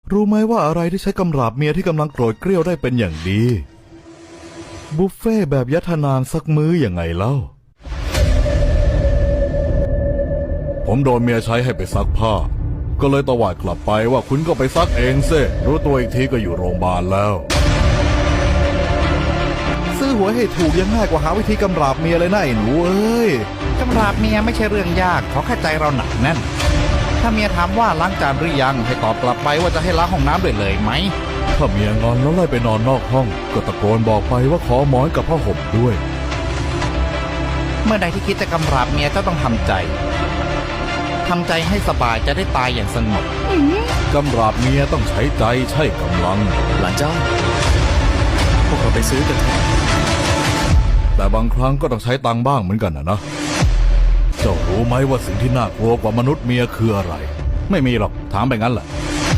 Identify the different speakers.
Speaker 1: รู้ไหมว่าอะไรที่ใช้กำราบเมียที่กำลังโกรธเกรี้ยวได้เป็นอย่างดีบุฟเฟ่แบบยัทนานสักมื้ออย่างไงเล่าผมโดนเมียใช้ให้ไปซักผ้าก็เลยตวาดกลับไปว่าคุณก็ไปซักเองซิรู้ตัวอีกทีก็อยู่โรงพยาบาลแล้วซื้อหวยให้ถูกยังง่ายกว่าหาวิธีกำราบเมียเลยนะไอ้หนูเอ้ยกำราบเมียไม่ใช่เรื่องยากขอแค่ใจเราหนักแน่นถ้าเมียถามว่าล้างจานหรือยังให้ตอบกลับไปว่าจะให้ล้างห้องน้ำด้วยเลยไหมถ้าเมียงอนแล้วไล่ไปนอนนอกห้องก็ตะโกนบอกไปว่าขอหมอนกับผ้าห่มด้วยเมื่อใดที่คิดจะกำราบเมียก็ต้องทำใจให้สบายจะได้ตายอย่างสงบกำราบเมียต้องใช้ใจใช่กำลัง
Speaker 2: หลานเจ้าพวกเราไปซื้อกันเถอะ
Speaker 1: แต่บางครั้งก็ต้องใช้ตังค์บ้างเหมือนกันนะเจ้ารู้ไหมว่าสิ่งที่น่ากลัวกว่ามนุษย์เมียคืออะไรไม่มีหรอกถามไปงั้นแหละ